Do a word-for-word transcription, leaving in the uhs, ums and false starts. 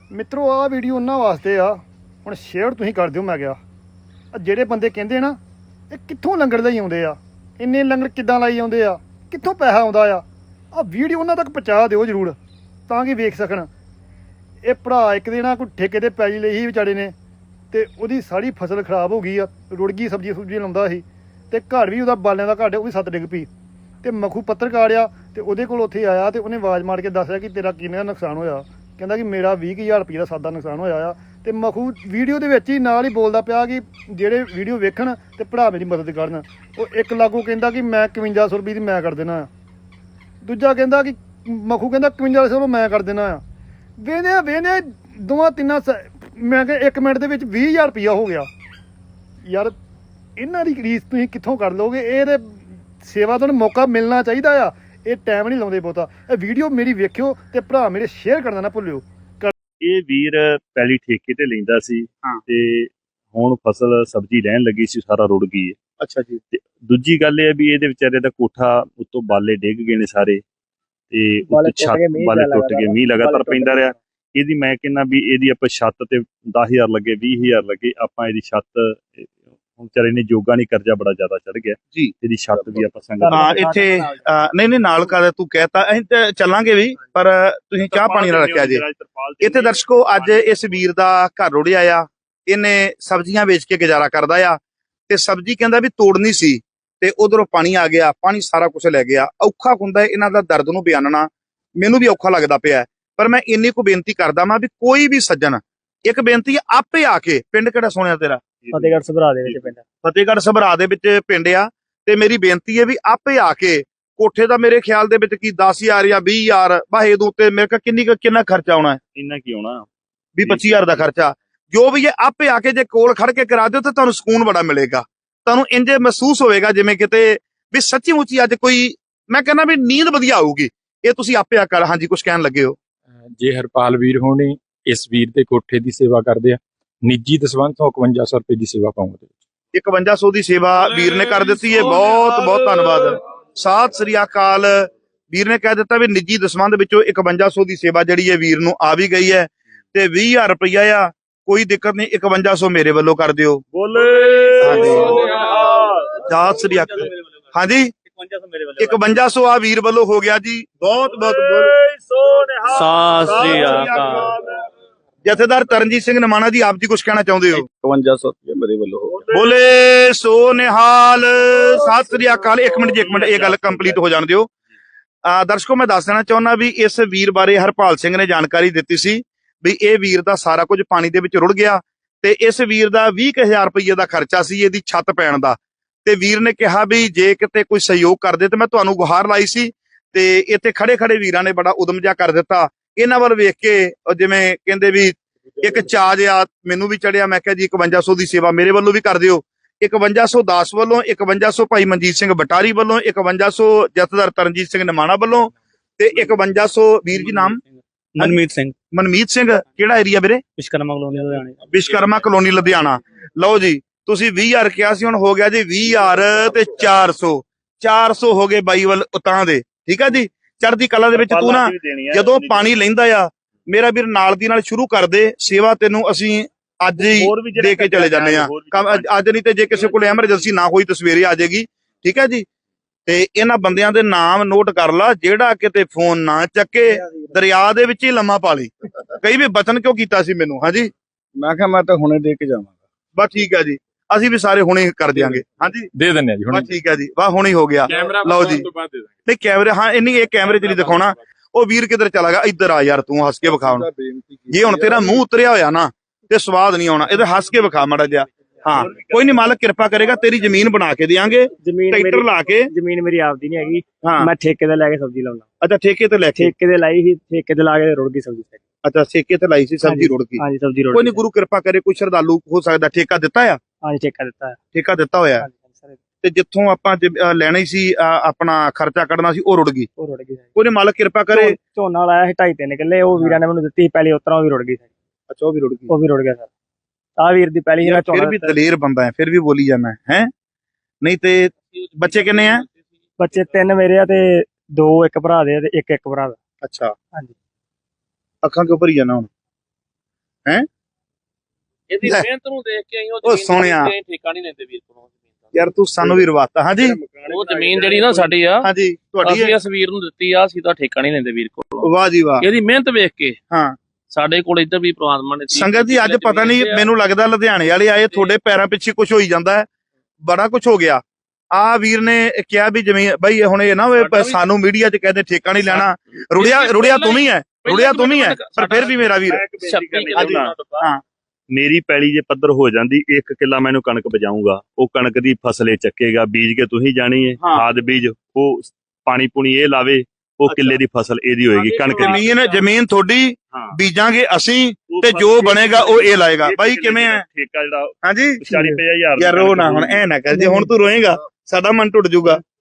ਮਿੱਤਰੋ ਆਹ ਵੀਡੀਓ ਉਹਨਾਂ ਵਾਸਤੇ ਆ ਹੁਣ ਸ਼ੇਅਰ ਤੁਸੀਂ ਕਰ ਦਿਓ। ਮੈਂ ਕਿਹਾ ਆ ਜਿਹੜੇ ਬੰਦੇ ਕਹਿੰਦੇ ਨਾ ਇਹ ਕਿੱਥੋਂ ਲੰਗਰ ਲਈ ਆਉਂਦੇ ਆ, ਇੰਨੇ ਲੰਗਰ ਕਿੱਦਾਂ ਲਾਈ ਆਉਂਦੇ ਆ, ਕਿੱਥੋਂ ਪੈਸਾ ਆਉਂਦਾ ਆ, ਆ ਵੀਡੀਓ ਉਹਨਾਂ ਤੱਕ ਪਹੁੰਚਾ ਦਿਓ ਜ਼ਰੂਰ ਤਾਂ ਕਿ ਵੇਖ ਸਕਣ। ਇਹ ਭਰਾ ਇੱਕ ਦਿਨ ਆ ਕੋਈ ਠੇਕੇ ਤੇ ਪੈਲੀ ਲਈ ਸੀ ਵਿਚਾਰੇ ਨੇ, ਤੇ ਉਹਦੀ ਸਾਰੀ ਫਸਲ ਖਰਾਬ ਹੋ ਗਈ ਆ, ਰੁੜ ਗਈ, ਸਬਜ਼ੀ ਸੁਬਜ਼ੀ ਲਾਉਂਦਾ ਸੀ ਤੇ ਘਰ ਵੀ ਉਹਦਾ ਬਾਲਿਆਂ ਦਾ ਘਰ ਉਹ ਵੀ ਸੱਤ ਡਿੱਗ ਪਈ। ਤੇ ਮਖੂ ਪੱਤਰਕਾਰ ਆ ਤੇ ਉਹਦੇ ਕੋਲ ਉੱਥੇ ਆਇਆ ਤੇ ਉਹਨੇ ਆਵਾਜ਼ ਮਾਰ ਕੇ ਦੱਸਿਆ ਕਿ ਤੇਰਾ ਕਿੰਨਾ ਨੁਕਸਾਨ ਹੋਇਆ। ਕਹਿੰਦਾ ਕਿ ਮੇਰਾ ਵੀਹ ਕੁ ਹਜ਼ਾਰ ਰੁਪਏ ਦਾ ਸਾਦਾ ਨੁਕਸਾਨ ਹੋਇਆ ਆ। ਤੇ ਮਖੂ ਵੀਡੀਓ ਦੇ ਵਿੱਚ ਹੀ ਨਾਲ ਹੀ ਬੋਲਦਾ ਪਿਆ ਕਿ ਜਿਹੜੇ ਵੀਡੀਓ ਵੇਖਣ ਤੇ ਭਰਾ ਮੇਰੀ ਮਦਦ ਕਰਨ। ਉਹ ਇੱਕ ਲਾਗੂ ਕਹਿੰਦਾ ਕਿ ਮੈਂ ਇਕਵੰਜਾ ਸੌ ਰੁਪਏ ਦੀ ਮੈਂ ਕਰ ਦੇਣਾ ਆ, ਦੂਜਾ ਕਹਿੰਦਾ ਕਿ ਮਖੂ ਕਹਿੰਦਾ ਇਕਵੰਜਾ ਸੌ ਮੈਂ ਕਰ ਦੇਣਾ ਆ। ਵੇਨੇ ਵੇਨੇ ਦੋਵਾਂ ਤਿੰਨਾਂ ਮੈਂ ਕਿਹਾ ਇੱਕ ਮਿੰਟ ਦੇ ਵਿੱਚ ਵੀਹ ਹਜ਼ਾਰ ਰੁਪਈਆ ਹੋ ਗਿਆ। ਯਾਰ ਇਹਨਾਂ ਦੀ ਰੀਸ ਤੁਸੀਂ ਕਿੱਥੋਂ ਕਰ ਲਓਗੇ? ਇਹਦੇ ਸੇਵਾ ਤੁਹਾਨੂੰ ਮੌਕਾ ਮਿਲਣਾ ਚਾਹੀਦਾ ਆ, ਇਹ ਟਾਈਮ ਨਹੀਂ ਲਾਉਂਦੇ ਬਹੁਤਾ। ਇਹ ਵੀਡੀਓ ਮੇਰੀ ਵੇਖਿਓ ਤੇ ਭਰਾ ਮੇਰੇ ਸ਼ੇਅਰ ਕਰਨਾ ਨਾ ਭੁੱਲਿਓ। ਇਹ ਵੀਰ ਪਹਿਲੀ ਠੇਕੇ ਤੇ ਲੈਂਦਾ ਸੀ ਤੇ ਹੁਣ ਫਸਲ ਸਬਜ਼ੀ ਲੈਣ ਲੱਗੀ ਸੀ, ਸਾਰਾ ਰੁੜ ਗਈ ਹੈ। ਅੱਛਾ ਜੀ। ਤੇ ਦੂਜੀ ਗੱਲ ਇਹ ਹੈ ਵੀ ਇਹਦੇ ਵਿਚਾਰੇ ਦਾ ਕੋਠਾ ਉੱਤੋਂ ਬਾਲੇ ਡਿੱਗ ਗਏ ਨੇ ਸਾਰੇ, ਤੇ ਉੱਤੇ ਛੱਤ ਬਾਲੇ ਟੁੱਟ ਗਏ, ਮੀਂਹ ਲਗਾਤਾਰ ਪੈਂਦਾ ਰਿਹਾ। ਇਹਦੀ ਮੈਂ ਕਹਿੰਦਾ ਵੀ ਇਹਦੀ ਆਪਾਂ ਛੱਤ ਤੇ ਦਸ ਹਜ਼ਾਰ ਲੱਗੇ, ਵੀਹ ਹਜ਼ਾਰ ਲੱਗੇ, ਆਪਾਂ ਇਹਦੀ ਛੱਤ ਹੁਣ ਵਿਚਾਰੇ ਨੇ ਜੋਗਾ ਨਹੀਂ, ਕਰਜ਼ਾ ਬੜਾ ਜ਼ਿਆਦਾ ਚੜ ਗਿਆ ਜੀ। ਇਹਦੀ ਛੱਤ ਵੀ ਆਪਾਂ ਸੰਗਤ ਹਾਂ ਇੱਥੇ ਨਹੀਂ ਨਹੀਂ ਨਾਲ ਕਰ ਤੂੰ ਕਹਿਤਾ, ਅਸੀਂ ਤੇ ਚੱਲਾਂਗੇ ਵੀ, ਪਰ ਤੁਸੀਂ ਚਾਹ ਪਾਣੀ ਨਾਲ ਰੱਖਿਆ ਜੇ ਇੱਥੇ। ਦਰਸ਼ਕੋ ਅੱਜ ਇਸ ਵੀਰ ਦਾ ਘਰ ਰੁੜਿਆ ਆ, ਇਹਨੇ ਸਬਜ਼ੀਆਂ ਵੇਚ ਕੇ ਗੁਜ਼ਾਰਾ ਕਰਦਾ ਆ, ਤੇ ਸਬਜ਼ੀ ਕਹਿੰਦਾ ਵੀ ਤੋੜਨੀ ਸੀ ਤੇ ਉਧਰੋਂ ਪਾਣੀ ਆ ਗਿਆ, ਪਾਣੀ ਸਾਰਾ ਕੁਝ ਲੈ ਗਿਆ। ਔਖਾ ਹੁੰਦਾ ਇਹਨਾਂ ਦਾ ਦਰਦ ਨੂੰ ਬਿਆਨਣਾ, ਮੈਨੂੰ ਵੀ ਔਖਾ ਲੱਗਦਾ ਪਿਆ। ਪਰ ਮੈਂ ਇੰਨੀ ਕੁ ਬੇਨਤੀ ਕਰਦਾ ਮੈਂ ਵੀ ਕੋਈ ਵੀ ਸੱਜਣ, ਇੱਕ ਬੇਨਤੀ ਆਪੇ ਆ ਕੇ, ਪਿੰਡ ਕਿਹੜਾ ਸੋਹਣਿਆ ਤੇਰਾ? ਫਤਿਹਗੜ੍ਹ ਸਭਰਾ ਦੇ ਵਿੱਚ ਪਿੰਡ ਫਤਿਹਗੜ੍ਹ ਸਭਰਾ ਦੇ ਵਿੱਚ ਪਿੰਡ ਆ। ਤੇ ਮੇਰੀ ਬੇਨਤੀ ਹੈ ਵੀ ਆਪੇ ਆ ਕੇ, ਕੋਠੇ ਦਾ ਮੇਰੇ ਖਿਆਲ ਦੇ ਵਿੱਚ ਕੀ ਦਸ ਹਜ਼ਾਰ ਜਾਂ ਵੀਹ ਹਜ਼ਾਰ ਬਾਹੇ ਦੇ ਉੱਤੇ ਮੇਰੇ ਕੋਲ ਕਿੰਨੀ ਕਿੰਨਾ ਖਰਚਾ ਆਉਣਾ ਹੈ? ਇੰਨਾ ਕੀ ਆਉਣਾ, ਵੀਹ ਪੱਚੀ ਹਜ਼ਾਰ ਦਾ ਖਰਚਾ। ਜੋ ਵੀ ਇਹ ਆਪੇ ਆ ਕੇ ਜੇ ਕੋਲ ਖੜ ਕੇ ਕਰਾ ਦਿਓ ਤਾਂ ਤੁਹਾਨੂੰ ਸਕੂਨ ਬੜਾ ਮਿਲੇਗਾ। ਤੁਹਾਨੂੰ ਇੰਜੇ ਮਹਿਸੂਸ ਹੋਵੇਗਾ ਜਿਵੇਂ ਕਿਤੇ ਵੀ ਸੱਚੀ ਮੁੱਚੀ ਅੱਜ ਕੋਈ, ਮੈਂ ਕਹਿੰਦਾ ਵੀ ਨੀਂਦ ਵਧੀਆ ਆਊਗੀ। ਇਹ ਤੁਸੀਂ ਆਪੇ ਆ ਕਰ। ਹਾਂਜੀ ਕੁਝ ਕਹਿਣ ਲੱਗੇ ਹੋ? ਜੇ ਹਰਪਾਲ ਵੀਰ ਹੋਣੀ ਇਸ ਵੀਰ ਦੇ ਕੋਠੇ ਦੀ ਸੇਵਾ ਕਰਦੇ ਆ, ਨਿੱਜੀ ਦਸਵੰਧ ਤੋਂ ਇਕਵੰਜਾ ਸੌ ਰੁਪਏ ਦੀ ਸੇਵਾ ਪਾਉਂਦੇ। ਇਕਵੰਜਾ ਸੌ ਦੀ ਸੇਵਾ ਵੀਰ ਨੇ ਕਰ ਦਿੱਤੀ ਹੈ, ਬਹੁਤ ਬਹੁਤ ਧੰਨਵਾਦ। ਸਤਿ ਸ੍ਰੀ ਅਕਾਲ। ਵੀਰ ਨੇ ਕਹਿ ਦਿੱਤਾ ਵੀ ਨਿੱਜੀ ਦਸਵੰਧ ਵਿੱਚੋਂ ਇਕਵੰਜਾ ਸੌ ਦੀ ਸੇਵਾ ਜਿਹੜੀ ਹੈ ਵੀਰ ਨੂੰ ਆ ਵੀ ਗਈ ਹੈ, ਤੇ ਵੀਹ ਹਜ਼ਾਰ ਰੁਪਈਆ ਆ, ਕੋਈ ਦਿੱਕਤ ਨਹੀਂ, ਇਕਵੰਜਾ ਸੌ ਮੇਰੇ ਵੱਲੋਂ ਕਰ ਦਿਓ। ਬੋਲੇ ਸਤਿ ਸ੍ਰੀ ਅਕਾਲ। ਹਾਂਜੀ ਇਕਵੰਜਾ ਸੌ ਆ ਵੀਰ ਵੱਲੋਂ ਹੋ ਗਿਆ ਜੀ, ਬਹੁਤ ਬਹੁਤ ਸਤਿ ਸ੍ਰੀ ਅਕਾਲ। ਜਥੇਦਾਰ ਤਰਨਜੀਤ ਸਿੰਘ ਨਮਾਣਾ ਜੀ, ਆਪ ਜੀ ਕੁਝ ਕਹਿਣਾ ਚਾਹੁੰਦੇ ਹੋ? ਇਕਵੰਜਾ ਸੌ ਰੁਪਏ ਮੇਰੇ ਵੱਲੋਂ ਹੋ ਗਿਆ। ਬੋਲੇ ਸੋ ਨਿਹਾਲ। ਸਤਿ ਸ੍ਰੀ ਅਕਾਲ। ਇੱਕ ਮਿੰਟ ਜੀ, ਇੱਕ ਮਿੰਟ, ਇਹ ਗੱਲ ਕੰਪਲੀਟ ਹੋ ਜਾਣ ਦਿਓ। ਆ ਦਰਸ਼ਕੋ ਮੈਂ ਦੱਸ ਦੇਣਾ ਚਾਹੁੰਦਾ ਵੀ ਇਸ ਵੀਰ ਬਾਰੇ ਹਰਪਾਲ ਸਿੰਘ ਨੇ ਜਾਣਕਾਰੀ ਦਿੱਤੀ ਸੀ ਵੀ ਇਹ ਵੀਰ ਦਾ ਸਾਰਾ ਕੁਝ ਪਾਣੀ ਦੇ ਵਿੱਚ ਰੁੜ ਗਿਆ, ਤੇ ਇਸ ਵੀਰ ਦਾ ਵੀਹ ਕੁ ਹਜ਼ਾਰ ਰੁਪਏ ਦਾ ਖਰਚਾ ਸੀ ਇਹਦੀ ਛੱਤ ਪੈਣ ਦਾ। ਤੇ ਵੀਰ ਨੇ ਕਿਹਾ ਵੀ ਜੇ ਕਿਤੇ ਕੋਈ ਸਹਿਯੋਗ ਕਰਦੇ ਤੇ ਮੈਂ ਤੁਹਾਨੂੰ ਗੁਹਾਰ ਲਾਈ ਸੀ, ਤੇ ਇੱਥੇ ਖੜੇ ਖੜੇ ਵੀਰਾਂ ਨੇ ਬੜਾ ਉਦਮ ਜਿਹਾ ਕਰ ਦਿੱਤਾ। ਇਹਨਾਂ ਵੱਲ ਵੇਖ ਕੇ ਜਿਵੇਂ ਕਹਿੰਦੇ ਵੀ ਇੱਕ ਚਾਅ ਜਿਹਾ ਮੈਨੂੰ ਵੀ ਚੜਿਆ। ਮੈਂ ਕਿਹਾ ਜੀ ਇਕਵੰਜਾ ਸੌ ਦੀ ਸੇਵਾ ਮੇਰੇ ਵੱਲੋਂ ਵੀ ਕਰ ਦਿਓ। ਇਕਵੰਜਾ ਸੌ ਦਾਸ ਵੱਲੋਂ, ਇਕਵੰਜਾ ਸੌ ਭਾਈ ਮਨਜੀਤ ਸਿੰਘ ਬਟਾਰੀ ਵੱਲੋਂ, ਇਕਵੰਜਾ ਸੌ ਜਥੇਦਾਰ ਤਰਨਜੀਤ ਸਿੰਘ ਨਮਾਣਾ ਵੱਲੋਂ, ਤੇ ਇਕਵੰਜਾ ਸੌ ਵੀਰ ਜੀ ਨਾਮ ਮਨਮੀਤ ਸਿੰਘ, ਮਨਮੀਤ ਸਿੰਘ। ਕਿਹੜਾ ਏਰੀਆ ਵੀਰੇ? ਵਿਸ਼ਕਰਮਾ ਕਲੋਨੀ ਲੁਧਿਆਣਾ। ਵਿਸ਼ਕਰਮਾ ਕਲੋਨੀ ਲੁਧਿਆਣਾ। ਲਓ ਜੀ, ਤੁਸੀਂ ਵੀਹ ਹਜ਼ਾਰ ਕਿਹਾ ਸੀ, ਹੁਣ ਹੋ ਗਿਆ ਜੀ ਵੀਹ ਹਜ਼ਾਰ ਤੇ ਚਾਰ ਸੌ। ਚਾਰ ਸੌ ਹੋ ਗਏ ਬਾਈ ਵੱਲ ਉਤਾਂ ਦੇ। ਠੀਕ ਆ ਜੀ, ਚੜ੍ਹਦੀ ਕਲਾ ਦੇ ਵਿੱਚ ਤੂੰ ਨਾ ਜਦੋਂ ਪਾਣੀ ਲੈਂਦਾ ਆ ਮੇਰਾ ਵੀਰ ਨਾਲ ਦੀ ਨਾਲ ਸ਼ੁਰੂ ਕਰ ਦੇ ਸੇਵਾ। ਤੈਨੂੰ ਅਸੀਂ ਅੱਜ ਹੀ ਦੇ ਕੇ ਚਲੇ ਜਾਂਦੇ ਆ, ਅੱਜ ਨਹੀਂ ਤੇ ਜੇ ਕਿਸੇ ਕੋਲ ਐਮਰਜੈਂਸੀ ਨਾ ਹੋਈ ਤਾਂ ਸਵੇਰੇ ਆ ਜਾਏਗੀ। ਠੀਕ ਹੈ ਜੀ। ਤੇ ਇਹਨਾਂ ਬੰਦਿਆਂ ਦੇ ਨਾਮ ਨੋਟ ਕਰ ਲਾ, ਜਿਹੜਾ ਕਿਤੇ ਫੋਨ ਨਾ ਚੱਕੇ ਦਰਿਆ ਦੇ ਵਿੱਚ ਹੀ ਲੰਮਾ ਪਾ ਲਈ। ਕਈ ਵੀ ਬਚਨ ਕਿਉਂ ਕੀਤਾ ਸੀ ਮੈਨੂੰ? ਹਾਂਜੀ ਮੈਂ ਕਿਹਾ ਮੈਂ ਤਾਂ ਹੁਣੇ ਦੇ ਕੇ ਜਾਵਾਂਗਾ। ਬਸ ਠੀਕ ਹੈ ਜੀ, ਅਸੀਂ ਵੀ ਸਾਰੇ ਹੁਣੇ ਕਰ ਦਿਆਂਗੇ। ਹਾਂਜੀ ਦੇ ਦਿੰਦੇ ਆ ਜੀ ਹੁਣੇ। ਬਸ ਠੀਕ ਹੈ ਜੀ, ਵਾਹ ਹੁਣੇ ਹੋ ਗਿਆ। ਲਓ ਜੀ, ਨਹੀਂ ਕੈਮਰੇ, ਹਾਂ ਇੰਨੀ ਇਹ ਕੈਮਰੇ ਚ ਨਹੀਂ ਦਿਖਾਉਣਾ। ਉਹ ਵੀਰ ਕਿੱਧਰ ਚਲਾ ਗਿਆ? ਇੱਧਰ ਆ ਯਾਰ, ਤੂੰ ਹੱਸ ਕੇ ਵਿਖਾ। ਹੁਣ ਜੇ ਹੁਣ ਤੇਰਾ ਮੂੰਹ ਉਤਰਿਆ ਹੋਇਆ ਨਾ ਤੇ ਸਵਾਦ ਨਹੀਂ ਆਉਣਾ। ਇਹਦੇ ਹੱਸ ਕੇ ਵਿਖਾ ਮਾੜਾ ਜਿਹਾ। ਹਾਂ ਕੋਈ ਨਹੀਂ, ਮਾਲਕ ਕਿਰਪਾ ਕਰੇਗਾ, ਤੇਰੀ ਜ਼ਮੀਨ ਬਣਾ ਕੇ ਦੇਾਂਗੇ, ਟਰੈਕਟਰ ਲਾ ਕੇ। ਜ਼ਮੀਨ ਮੇਰੀ ਆਪਦੀ ਨਹੀਂ ਹੈਗੀ, ਮੈਂ ਠੇਕੇ ਤੇ ਲੈ ਕੇ ਸਬਜ਼ੀ ਲਾਉਣਾ। ਅੱਛਾ ਠੇਕੇ ਤੇ ਲੈ ਕੇ? ਠੇਕੇ ਤੇ ਲਾਈ ਸੀ, ਠੇਕੇ ਤੇ ਲਾ ਕੇ ਰੁੜ ਗਈ ਸਬਜ਼ੀ। ਅੱਛਾ ਠੇਕੇ ਤੇ ਲਾਈ ਸੀ, ਸਬਜ਼ੀ ਰੁੜ ਗਈ। ਹਾਂਜੀ ਸਬਜ਼ੀ ਰੁੜ ਗਈ। ਕੋਈ ਨਹੀਂ, ਗੁਰੂ ਕਿਰਪਾ ਕਰੇ, ਕੋਈ ਸ਼ਰਧਾਲੂ ਹੋ ਸਕਦਾ ਠੇਕਾ ਦਿੱਤਾ ਆ। ਹਾਂਜੀ ਠੇਕਾ ਦਿੱਤਾ ਹੈ। ਠੇਕਾ ਦਿੱਤਾ ਹੋਇਆ। ਤੇ ਜਿੱਥੋਂ ਆਪਾਂ ਲੈਣੀ ਸੀ ਆਪਣਾ ਖਰਚਾ ਕੱਢਣਾ ਸੀ, ਉਹ ਰੁੜ ਗਈ। ਉਹ ਰੁੜ ਗਈ। ਕੋਈ ਮਾਲਕ ਕਿਰਪਾ ਕਰੇ। ਝੋਨਾ ਲਾਇਆ ਸੀ ਢਾਈ ਤਿੰਨ ਕਿੱਲੇ, ਉਹ ਵੀਰਾਂ ਨੇ ਮੈਨੂੰ ਦਿੱਤੀ ਪਹਿਲੀ, ਉਤਰਾ ਉਹ ਵੀ ਰੁੜ ਗਈ। ਅੱਛਾ ਉਹ ਵੀ ਰੁੜ ਗਈ। ਉਹ ਵੀ ਰੁੜ ਗਿਆ ਸਰ। ਆ ਵੀਰ ਦੀ ਪਹਿਲੀ ਜਿਹੜਾ ਫਿਰ ਵੀ ਦਲੇਰ ਬੰਦਾ ਹੈ, ਫਿਰ ਵੀ ਬੋਲੀ ਜਾਂਦਾ ਹੈ। ਨਹੀਂ ਤੇ ਬੱਚੇ ਕਿੰਨੇ ਆ? ਬੱਚੇ ਤਿੰਨ ਮੇਰੇ ਆ, ਤੇ ਦੋ ਇੱਕ ਭਰਾ ਦੇ ਤੇ ਇੱਕ ਇੱਕ ਭਰਾ ਦਾ। ਅੱਛਾ ਹਾਂਜੀ। ਅੱਖਾਂ ਕਿਉਂ ਭਰੀ ਜਾਣਾ ਹੁਣ? ਹੈਂ? ਇਹਦੀ ਲੈ। ਮਿਹਨਤ ਨੂੰ ਦੇਖ ਕੇ ਅਸੀਂ ਉਹ ਉਹ ਜ਼ਮੀਨ ਸੋਹਣਿਆ। ਤੇ ਠੇਕਾ ਨਹੀਂ ਲੈਂਦੇ ਵੀਰ ਕੋਲੋਂ। ਯਾਰ ਤੂੰ ਸਾਨੂੰ ਵੀ ਰਵਾਤਾ। ਹਾਂਜੀ ਉਹ ਜ਼ਮੀਨ ਜਿਹੜੀ ਨਾ ਸਾਡੀ ਆ, ਹਾਂਜੀ ਤੁਹਾਡੀ ਅਸੀਂ ਹੈ। ਇਸ ਵੀਰ ਨੂੰ ਦਿੱਤੀ ਆ, ਅਸੀਂ ਤਾਂ ਠੇਕਾ ਨਹੀਂ ਲੈਂਦੇ ਵੀਰ ਕੋਲੋਂ। ਵਾਹ ਜੀ ਵਾਹ। ਇਹਦੀ ਮਿਹਨਤ ਵੇਖ ਕੇ ਹਾਂ ਸਾਡੇ ਕੋਲ ਇੱਧਰ ਵੀ ਪ੍ਰਮਾਤਮਾ ਨੇ ਸੰਗਤ ਜੀ ਅੱਜ ਪਤਾ ਨਹੀਂ ਮੈਨੂੰ ਲੱਗਦਾ ਲੁਧਿਆਣੇ ਵਾਲੇ ਆਏ ਤੁਹਾਡੇ ਪੈਰਾਂ ਪਿੱਛੇ ਕੁਝ ਹੋਈ ਜਾਂਦਾ ਹੈ, ਬੜਾ ਕੁਝ ਹੋ ਗਿਆ। ਆ ਵੀਰ ਨੇ ਕਿਹਾ ਵੀ ਜ਼ਮੀਨ ਬਈ ਹੁਣ ਇਹ ਨਾ ਹੋਵੇ ਸਾਨੂੰ ਮੀਡੀਆ 'ਚ ਕਹਿੰਦੇ ਠੇਕਾ ਨਹੀਂ ਲੈਣਾ। ਰੁੜਿਆ ਰੁੜਿਆ ਤੂੰ ਵੀ ਹੈ, ਰੁੜਿਆ ਤੂੰ ਵੀ ਹੈ, ਪਰ ਫਿਰ ਵੀ ਮੇਰਾ ਵੀਰ। ਹਾਂ ਮੇਰੀ ਪੈਲੀ ਜੇ ਪੱਧਰ ਹੋ ਜਾਂਦੀ ਇੱਕ ਕਿੱਲਾ ਮੈਨੂੰ ਕਣਕ ਬਜਾਊਗਾ, ਉਹ ਕਣਕ ਦੀ ਫਸਲੇ ਚੱਕੇਗਾ, ਬੀਜ ਕੇ ਤੁਸੀਂ ਜਾਣੀ ਹੈ, ਹਾਂ। ਖਾਦ ਬੀਜ ਉਹ ਪਾਣੀ ਪੂਣੀ ਇਹ ਲਾਵੇ, ਉਹ ਕਿੱਲੇ ਦੀ ਫਸਲ ਇਹਦੀ ਹੋਏਗੀ ਕਣਕ ਦੀ। ਜ਼ਮੀਨ ਜ਼ਮੀਨ ਤੁਹਾਡੀ, ਹਾਂ। ਬੀਜਾਂਗੇ ਅਸੀਂ ਉਹ ਤੇ ਫਸਲ ਜੋ ਕਿੱਲੇ ਬਣੇਗਾ ਉਹ ਇਹ ਲਾਏਗਾ। ਇਹ ਬਾਈ ਕਿੱਲੇ ਕਿਵੇਂ ਹੈ? ਠੇਕਾ ਜਿਹੜਾ ਹਾਂਜੀ ਚਾਲੀ ਪੰਜਾਹ ਹਜ਼ਾਰ ਯਾਰ ਰੋ ਨਾ ਹੁਣ, ਐ ਨਾ ਕਰ, ਜੇ ਹੁਣ ਤੂੰ ਰੋਏਗਾ ਸਾਡਾ ਮਨ ਟੁੱਟ ਜਾਊਗਾ।